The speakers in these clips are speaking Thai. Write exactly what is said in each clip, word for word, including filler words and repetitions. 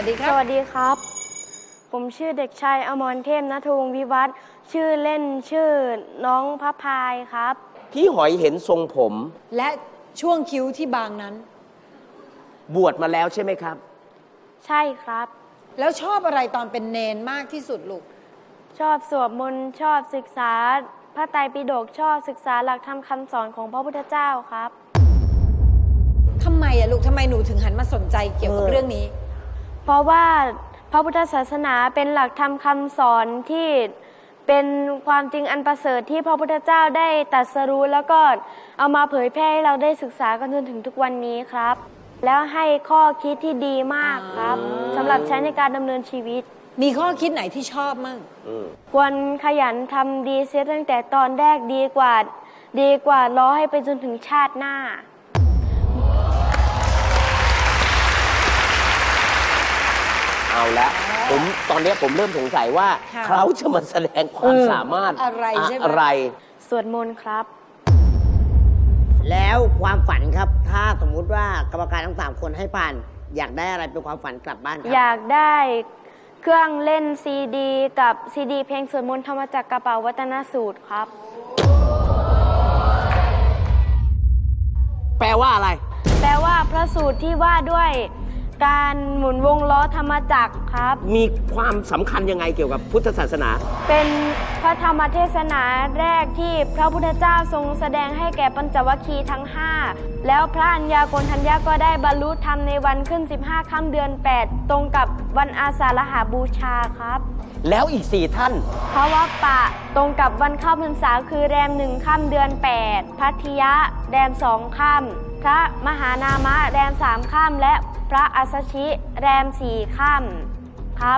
วัสดีครับสวัสดีครับ ผมชื่อเด็กชายอมรเทพณัฐวงศ์วิวัฒน์ชื่อเล่นชื่อน้องพระพายครับพี่หอยเห็นทรงผมและช่วงคิ้วที่บางนั้นบวชมาแล้วใช่ไหมครับใช่ครับแล้วชอบอะไรตอนเป็นเนนมากที่สุดลูกชอบสวดมนต์ชอบศึกษาพระไตรปิฎกชอบศึกษาหลักธรรมคำสอนของพระพุทธเจ้าครับทำไมอะลูกทำไมหนูถึงหันมาสนใจเกี่ยวกับเออเรื่องนี้เพราะว่าพระพุทธศาสนาเป็นหลักธรรมคำสอนที่เป็นความจริงอันประเสริฐที่พระพุทธเจ้าได้ตรัสรู้แล้วก็เอามาเผยแพร่ให้เราได้ศึกษากันจนถึงทุกวันนี้ครับ แล้วให้ข้อคิดที่ดีมากครับสำหรับใช้ในการดำเนินชีวิตมีข้อคิดไหนที่ชอบมั่งควรขยันทำดีเสียตั้งแต่ตอนแรกดีกว่า ดีกว่ารอให้ไปจนถึงชาติหน้าเอาละผมตอนนี้ผมเริ่มสงสัยว่าค่ะเขาจะมาแสดงความสามารถอะไรใช่ไหมอะไรสวดมนต์ครับแล้วความฝันครับ ถ้าสมมุติว่ากรรมการทั้งสามคนให้ผ่าน อยากได้อะไรเป็นความฝันกลับบ้านคอรับยากได้เครื่องเล่นซีดีกับซีดีเพลงสวดมนต์ธรรมจักรกระเป๋าวัฒนสูตรครับแปลว่าอะไรแปลว่าพระสูตรที่ว่าด้วยการหมุนวงล้อธรรมจักรครับมีความสำคัญยังไงเกี่ยวกับพุทธศาสนาเป็นพระธรรมเทศนาแรกที่พระพุทธเจ้าทรงแสดงให้แก่ปัญจวัคคีย์ทั้งห้าแล้วพระอัญญาโกณทัญญาก็ได้บรรลุธรรมในวันขึ้นสิบห้าค่ำเดือนแปดตรงกับวันอาสาฬหบูชาครับแล้วอีกสี่ท่านเพราะว่าปะตรงกับวันเข้าพรรษาคือแรมหนึ่งค่ำเดือนแปดพัทยะแรมสองค่ำพระมหานามะแรมสามค่ำและพระอัสสชิแรมสี่ค่ำครับ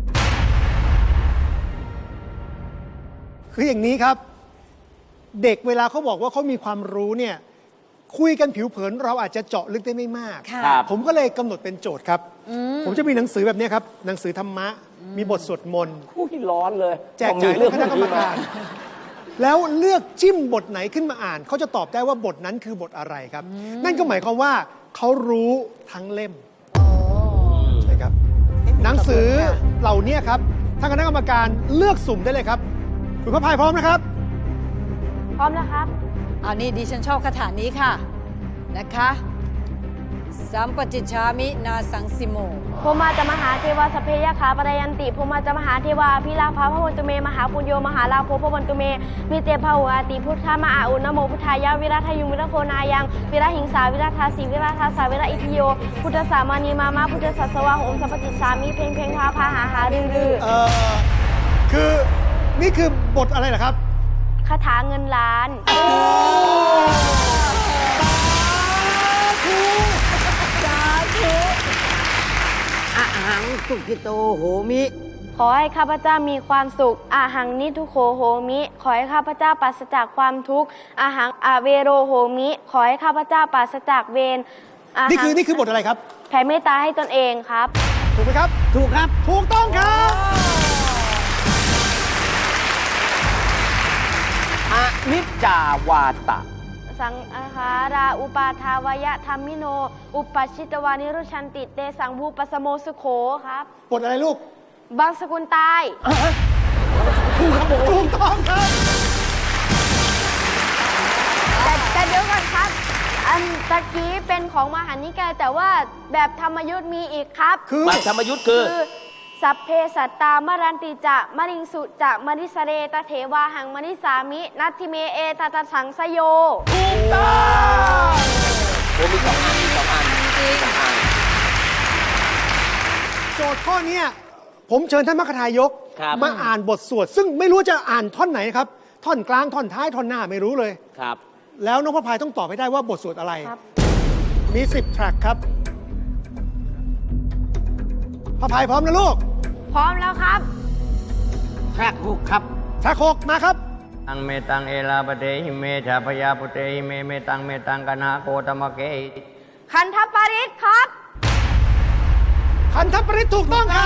คืออย่างนี้ครับ เด็กเวลาเขาบอกว่าเขามีความรู้เนี่ยคุยกันผิวเผินเราอาจจะเจาะลึกได้ไม่มากค่ะครับผมก็เลยกำหนดเป็นโจทย์ครับ ผมจะมีหนังสือแบบนี้ครับ หนังสือธรรมะ มีบทสวดมนต์ผู้ที่ร้อนเลยแจกจ่ายผมมีเรื่องคณะกรรมการ แล้วเลือกจิ้มบทไหนขึ้นมาอ่าน เขาจะตอบได้ว่าบทนั้นคือบทอะไรครับ นั่นก็หมายความว่าเขารู้ทั้งเล่มใช่ครับ หนังสือเหล่านี้ครับทางคณะกรรมการเลือกสุ่มได้เลยครับคุณพระพายพร้อมนะครับพร้อมแล้วครับเอานี่ดิฉันชอบคาถานี้ค่ะนะคะสัมปจิชามินาสังสิโมพมาจะมหาเทวาสพเพยขาปรยันติพมาจะมหาเทวาพิลาภาพระวันตุเมมหาปุญโยมหาลาโภพระวันตุเมมีเตภาหุอาติพุทธมาอาอุนโมพุทธายาวิรัตยุงวิรัตโพนายังวิรัตหิงสาวิรัตทาสีวิรัตทาสาวิรัตอิทิโยพุทธสามานีมามาพุทธสัสสวะโอมสัพพจิตสามีเพลงเพลงพาพาหาหารือรือเอ่อคือนี่คือบทอะไรเหรอครับคาถาเงินล้านอะหังสุกิโตโหมิขอให้ข้าพเจ้ามีความสุขอาหังนิทุโขโหมิ ขอให้ข้าพเจ้าปราศจากความทุกข์อาหังอาเวโรโหมิ ขอให้ข้าพเจ้าปราศจากเวรอาหังนี่คือนี่คือบทอะไรครับแผ่เมตตาให้ตนเองครับถูกไหมครับถูกครับถูกต้องครับอนิจจาวาตะสังอาหาราอุปาทาวยะธรรมิโน อุปชิตวานิรุชันติเตสังบูปสโมสุโขครับบทอะไรลูกบางสกุลตายถูกครับผมถูกต้องครับแต่แต่เดี๋ยวก่อนครับ อันตะกี้เป็นของมหานิกายแต่ว่าแบบธรรมยุทธ์มีอีกครับคือบัตรธรรมยุทธ์คือคือสัพเพสัตตามรันติจะมริงสุจะมริสเรตเถวาหังมริสามินัตถิเมเอตตสังสโยถูกต้องโอ้มีสองอันมีสองอันจริงสองอันโจทย์ข้อเนี้ยผมเชิญท่านมรรคทายกครับมาอ่านบทสวด ซึ่งไม่รู้จะอ่านท่อนไหนครับ ท่อนกลาง ท่อนท้าย ท่อนหน้าไม่รู้เลยครับแล้วน้องพระพายต้องตอบให้ได้ว่าบทสวดอะไรครับมีสิบแทร็กครับพระพายพร้อมนะลูกพร้อมแล้วครับแทรกหกครับแทร็กหกมาครับตังเมตังเอลาปเตหิเมชาพยาปุเตหิเมเมตังเมตังกนาโกตมะเกหิคันธปริศครับคันธปริศถูกต้องครับ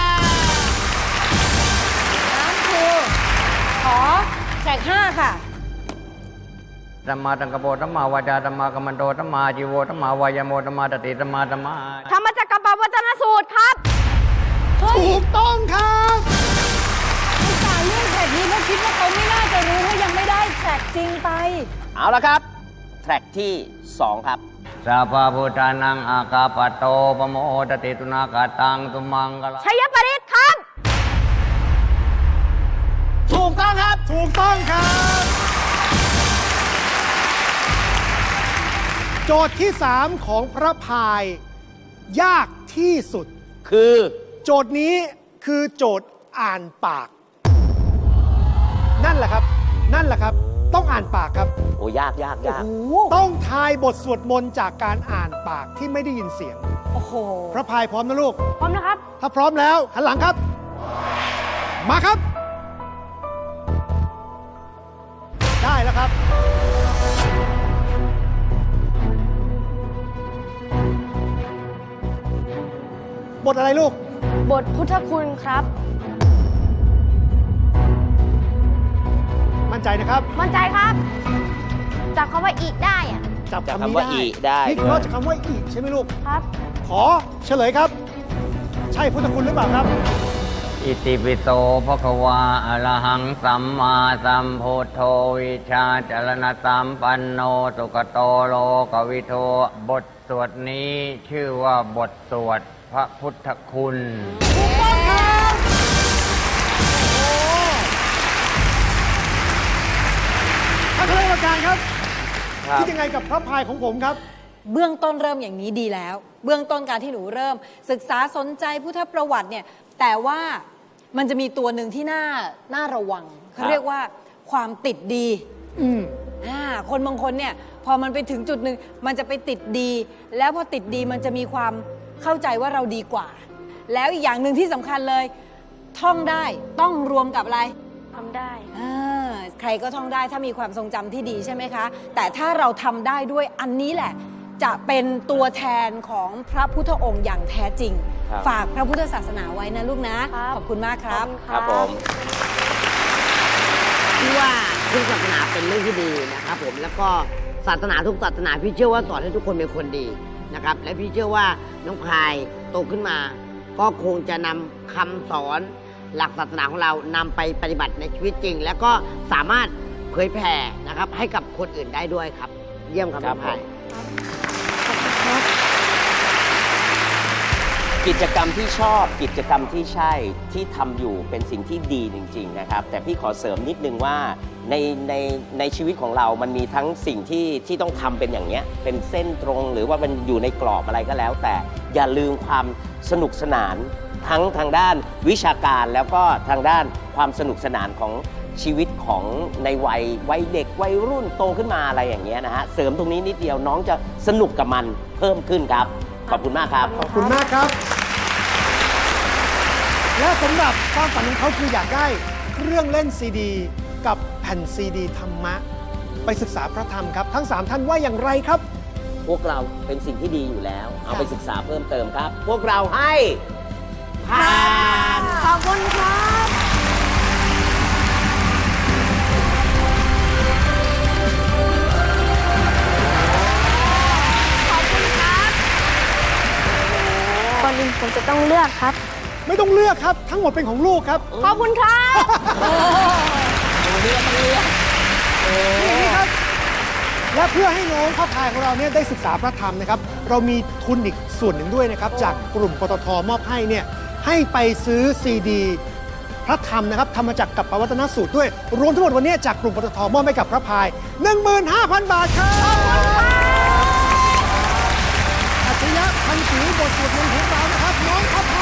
น้ำครูขอแจกห้าค่ะธรรมาตังกโปธรรมาวาจาธรรมากัมมันโตธรรมาจีโวธรรมาวายโมธรรมาตติธรรมาธรรมาธรรมจักรกับวัฒนสูตรครับเฮ้ยถูกต้องครับอุตส่าห์เลือกแทร็กนี้เพราะคิดว่าเขาไม่น่าจะรู้ว่ายังไม่ได้แทร็กจริงไปเอาละครับ แทร็กที่สองครับสัพพะพุทธานังอากาปะโตปโมทติตุนากาตังตุมังกลาชัยปริศครับถูกต้องครับถูกต้องครับ โจทย์ที่ สาม ของพระพาย ยากที่สุดคือโจทย์นี้คือโจทย์อ่านปาก นั่นแหละครับ นั่นแหละครับ ต้องอ่านปากครับโอ้ยากยากยากต้องทายบทสวดมนต์จากการอ่านปากที่ไม่ได้ยินเสียงโอ้โหพระพายพร้อมนะลูกพร้อมนะครับถ้าพร้อมแล้วหันหลังครับ มาครับ ได้แล้วครับ บทอะไรลูกบทพุทธคุณครับมั่นใจนะครับมั่นใจครับ จากคำว่าอีกได้อะจับจากคำนี้คำว่าได้อีได้นี่คือด้วยนอกจากคำว่าอีใช่ไหมลูกครับขอเฉลยครับ ใช่พุทธคุณหรือเปล่าครับอิติปิโสภควาอะระหังสัมมาสัมพุทโธวิชาจรณสัมปันโนสุขโตโลกวิโทบทสวดนี้ชื่อว่าบทสวดพระพุทธคุณท่านคณะกรรมการครับครับคิดยังไงกับพระพายของผมครับเบื้องต้นเริ่มอย่างนี้ดีแล้ว เบื้องต้นการที่หนูเริ่ม ศึกษาสนใจพุทธประวัติเนี่ย แต่ว่ามันจะมีตัวหนึ่งที่น่าน่าระวัง เขาเรียกว่าความติดดีอืมอ่าคนบางคนเนี่ยพอมันไปถึงจุดหนึ่งมันจะไปติดดี แล้วพอติดดีมันจะมีความเข้าใจว่าเราดีกว่า แล้วอีกอย่างหนึ่งที่สำคัญเลย ท่องได้ต้องรวมกับอะไรทำได้อ่าใครก็ท่องได้ถ้ามีความทรงจำที่ดีใช่ไหมคะ แต่ถ้าเราทำได้ด้วยอันนี้แหละ จะเป็นตัวแทนของพระพุทธองค์อย่างแท้จริงครับฝากพระพุทธศาสนาไว้นะลูกนะครับขอบคุณมากครับครับผมที่ว่าพุทธศาสนาเป็นเรื่องที่ดีนะครับผมแล้วก็ศาสนาทุกศาสนาพี่เชื่อว่าสอนให้ทุกคนเป็นคนดีนะครับและพี่เชื่อว่าน้องพายโตขึ้นมา ก็คงจะนำคำสอนหลักศาสนาของเรานำไปปฏิบัติในชีวิตจริง แล้วก็สามารถเผยแผ่นะครับให้กับคนอื่นได้ด้วยครับ เยี่ยมครับครัน้บองพายกิจกรรมที่ชอบกิจกรรมที่ใช่ที่ทำอยู่เป็นสิ่งที่ดีจริงๆนะครับแต่พี่ขอเสริมนิดนึงว่าในในในชีวิตของเรามันมีทั้งสิ่งที่ที่ต้องทำเป็นอย่างเนี้ยเป็นเส้นตรงหรือว่ามันอยู่ในกรอบอะไรก็แล้ว แต่อย่าลืมความสนุกสนานทั้งทางด้านวิชาการแล้วก็ทางด้านความสนุกสนานของชีวิตของในวัยวัยเด็กวัยรุ่นโตขึ้นมาอะไรอย่างเงี้ยนะฮะเสริมตรงนี้นิดเดียวน้องจะสนุกกับมันเพิ่มขึ้นครับขอบคุณมากครับขอบคุณมากครับ และสำหรับความฝันของเขาคืออยากได้เครื่องเล่นซีดี กับแผ่นซีดีธรรมะ ไปศึกษาพระธรรมครับ ทั้ง สาม ท่านว่าอย่างไรครับพวกเราเป็นสิ่งที่ดีอยู่แล้ว เอาไปศึกษาเพิ่มเติมครับ พวกเราให้ผ่านขอบคุณครับ ขอบคุณครับก่อนอื่นผมจะต้องเลือกครับไม่ต้องเลือกครับ ทั้งหมดเป็นของลูกครับขอบคุณครับนี่ครับ และเพื่อให้น้องข้าพายของเราเนี่ยได้ศึกษาพระธรรมนะครับ เรามีทุนอีกส่วนหนึ่งด้วยนะครับ จากกลุ่มปตทมอบให้เนี่ยให้ไปซื้อซีดีพระธรรมนะครับธรรมจักรกับปวัตนสูตรด้วย รวมทั้งหมดวันนี้จากกลุ่มปตทมอบให้กับพระพาย หนึ่งหมื่นห้าพัน บาทครับอัจฉริยะพันธุ์ผิวบทสวดมนต์ของเรานะครับน้องข้าพ